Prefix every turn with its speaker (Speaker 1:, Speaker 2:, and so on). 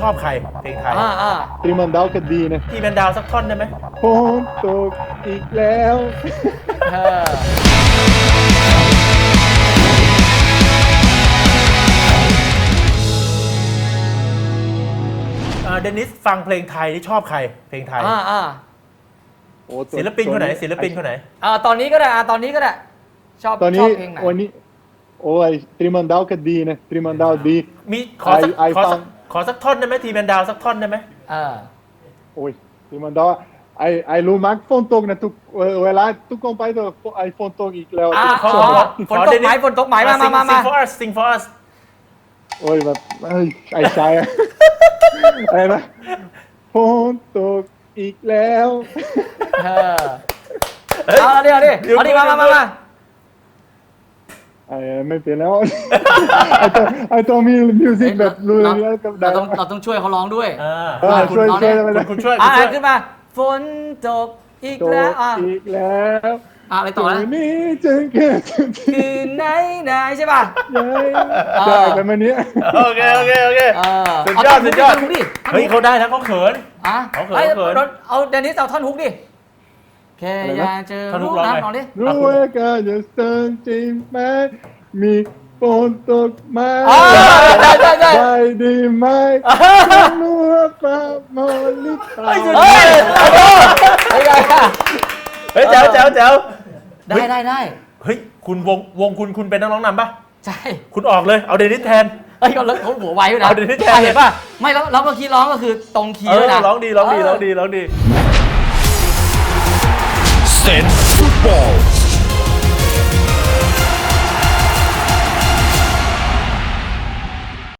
Speaker 1: ชอบใครเพลงไทย
Speaker 2: ตรีมันดาวก็ดีนะ
Speaker 1: ทีแมนดาวสักท่อนได้ไหม
Speaker 2: ฝนตกอีกแล้ว
Speaker 1: เดนิสฟังเพลงไทยที่ชอบใครเพลงไทย
Speaker 2: โอ้ตัว
Speaker 1: ศิลปินคนไหนศิลปินคนไหน
Speaker 3: ตอนนี้ก็ได้ตอนนี้ก็ได้ชอบ
Speaker 2: ตอน
Speaker 3: ช
Speaker 2: นี้
Speaker 3: อบเพลงไหน
Speaker 2: วันนี้โอ้ยตรีมันดาวก็ดีนะตรีมันดาวดี
Speaker 1: มีขอสัก
Speaker 2: ไอ
Speaker 1: ขอ
Speaker 2: ฟั
Speaker 1: สั
Speaker 2: ง
Speaker 1: กขอสักท่อนได้ไหมทีแมนดาวสักท่อนได้ไหม
Speaker 2: โอ้ยตรีมันดาวไอรู้มากฝนตกนะทุกเวลาทุกคนไปตัวไอฝนตกอีกแล้ว
Speaker 3: ฝนตกไหมฝนตกไหมมา
Speaker 1: sing for us sing for us
Speaker 2: โอ้ยแบบไอชายอะไรนะฝนตกอีกแล้ว
Speaker 3: เอาดิมา
Speaker 2: ไม่เป็นแล้ว ไอตัวมีมิวสิกแบบรู้เรื่องกับได้
Speaker 3: เราต้องช่วยเขาร้องด้วย
Speaker 2: ช่วย
Speaker 1: คุณช่วย
Speaker 3: ขึ้นมาฝนตกอีกแล้ว
Speaker 2: อีกแล้ว
Speaker 3: อะไรต่อนะ
Speaker 2: นี้จึงเกิด
Speaker 3: คืนไหนใช่ป่ะ
Speaker 2: ได้กันมาเนี้ย
Speaker 1: โอเคสุดยอด
Speaker 3: ดิ
Speaker 1: เฮ้ยเขาได้แล้วเขาเขิน
Speaker 3: เอาเดนิสเอาท่อนฮุกดิแค่อยากเจอรู้นะลองดิ
Speaker 2: รู้ว่าการจะเติมจริงไหมมีฝนตกไหมได้ดีไหมนัวปลาโมลิตา
Speaker 1: เฮ้ยแจ๋ว
Speaker 3: ได้
Speaker 1: เฮ้ยคุณวงคุณเป็นนักร้องนำปะ
Speaker 3: ใช่
Speaker 1: คุณออกเลยเอาเดนิสแทน
Speaker 3: เขาหัวไวด้วยนะ
Speaker 1: เอาเดนิสแทน
Speaker 3: เห็นป่ะไม่แล้วเมื่อกี้ร้องก็คือตรงคีย์ด้วยนะ
Speaker 1: ร้องดี
Speaker 4: เซนฟุตบอล